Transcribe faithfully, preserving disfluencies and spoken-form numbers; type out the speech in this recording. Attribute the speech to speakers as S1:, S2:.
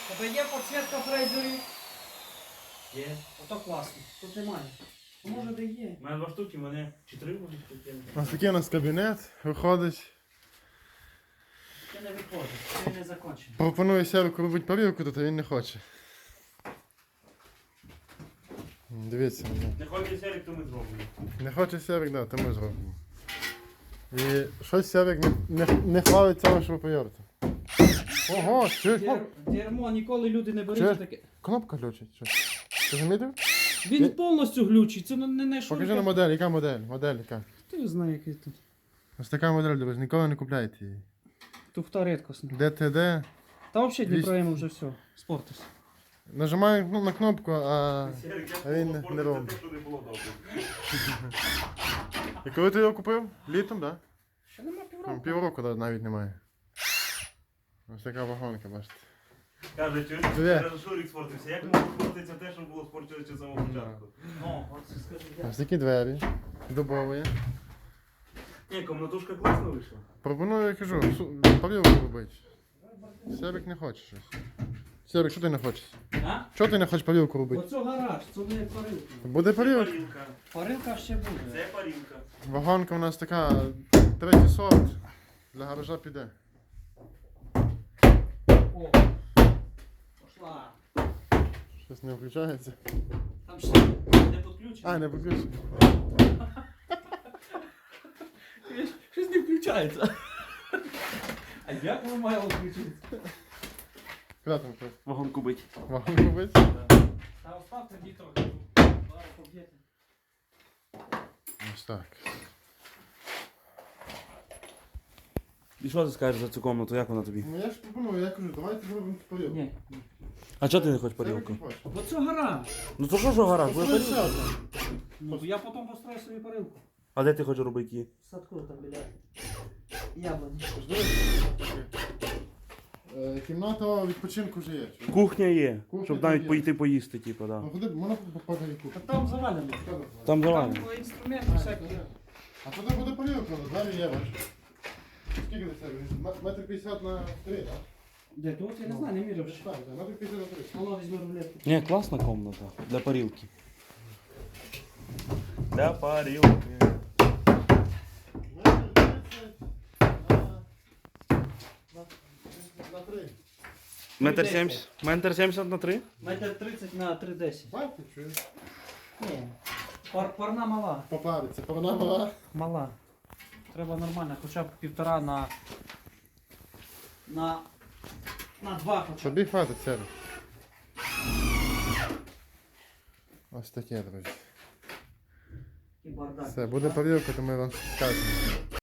S1: Тебе є підсвітка фрезерів?
S2: Є.
S1: Ото класно. Тут немає. А може де є?
S2: У мене два штуки, в мене чотири може штуки.
S3: Ось такий у нас кабінет, виходить.
S1: Це не виходить, це не закінчено.
S3: Пропоную Серику робити парілку, тут а він не хоче. Дивіться.
S2: Не хоче Серик, то ми зробимо.
S3: Не хоче Серик, да, то ми зробимо. І щось Серик не, не, не хвалить цього шуруповерта. Ого, чуєш? О,
S1: Дер- Дерьмо, ніколи люди не беруть
S3: Чуєш?
S1: таке.
S3: кнопка глючить. Що? Ти замітив?
S1: Він
S3: Я-
S1: повністю глючить, це не, не, не
S3: Покажи
S1: шурка.
S3: на модель, яка модель? Модель яка?
S1: Ти знаєш, який тут.
S3: Ось така модель, друзі, ніколи не купляйте її.
S1: Туфта рідкосна.
S3: ДТД.
S1: Та взагалі
S3: Двісті.
S1: Дніпроєм вже все, спортився.
S3: Нажимаю ну, на кнопку, а...
S2: Серик,
S3: А він
S2: я
S3: не робить.
S2: те, що не було добре.
S3: І коли ти його купив? Літом, так? Да?
S1: Ще нема
S3: Там
S1: півроку.
S3: півроку да, навіть немає. Ось така вагонка, бачите.
S2: Каже, чуєш?
S3: Дві.
S2: Каже, Шурик спортився. Як може спортитися те, що було спортився з самого початку?
S1: О, оце скажи, я.
S3: Ось такі двері. Дубові.
S2: Ні, комнатушка класно вийшла.
S3: Пропоную, я кажу, су- парілку робити. Серик не хоче щось. Серик, що ти не хочеш?
S1: А?
S3: Чого ти не хочеш парілку робити?
S1: Оце гараж, це не парилка.
S3: Буде
S2: Це
S3: парілка.
S2: парілка.
S1: Парилка ще буде.
S2: Це парілка.
S3: Вагонка у нас така, третій сорт. Для гаража піде.
S1: О, пошла.
S3: Щось не включається.
S1: Там ще не підключено.
S3: А, не виключено.
S1: Щось не включається. А як воно має включитися?
S3: Куди там хтось?
S2: Вагонку бить.
S3: Вагонку робити?
S1: Та оставте дві трохи. Зараз поб'єте.
S3: Ось так.
S2: І що ти скажеш за цю комнату, як вона тобі?
S3: Ну я ж пропоную, я кажу, давайте зробимо парілку.
S1: Ні.
S2: А чого ти не хочеш
S3: Серик
S2: парілку?
S3: не хоче.
S1: Оце гараж.
S2: Ну то що ж гараж, буде
S3: Построй ще
S2: парілка.
S3: одну.
S1: Ну, я потім построю собі парилку.
S2: А де ти хочеш робити її?
S1: В садку там біля яблуні.
S3: Жди. Е, Кімната відпочинку вже є. чуєш?
S2: Кухня є,
S3: Кухня
S2: щоб
S3: там
S2: навіть
S3: є.
S2: поїти поїсти, типу, да.
S3: Ну ходи, можна попадати
S1: Та
S3: кухню.
S1: там завалено.
S2: Там давай.
S1: Там інструменти всякі.
S3: А туди буде парілка, двері є, бачиш. Скільки це? Метр п'ятдесят на три, так?
S1: Де тут? Я не знаю, не міряв. ще.
S3: Так, так, метр п'ятдесят на три.
S1: Воно візьме рулетку.
S2: Ні, класна комната для парілки. Для парілки.
S3: Метр тридцять на- на- на три.
S2: Метр сімдесят. Метр сімдесят на три?
S1: Метр тридцять на три десять.
S3: Бачите, чуєш?
S1: Ні. Пар, парна мала.
S3: Попариться, порнама.
S1: Мала. Треба нормально, хоча б півтора на. На. На два хоча б.
S3: Тобі хватить, Серик. Ось таке, друзі.
S1: І бардак.
S3: Все, буде парілка, то ми вам скажемо.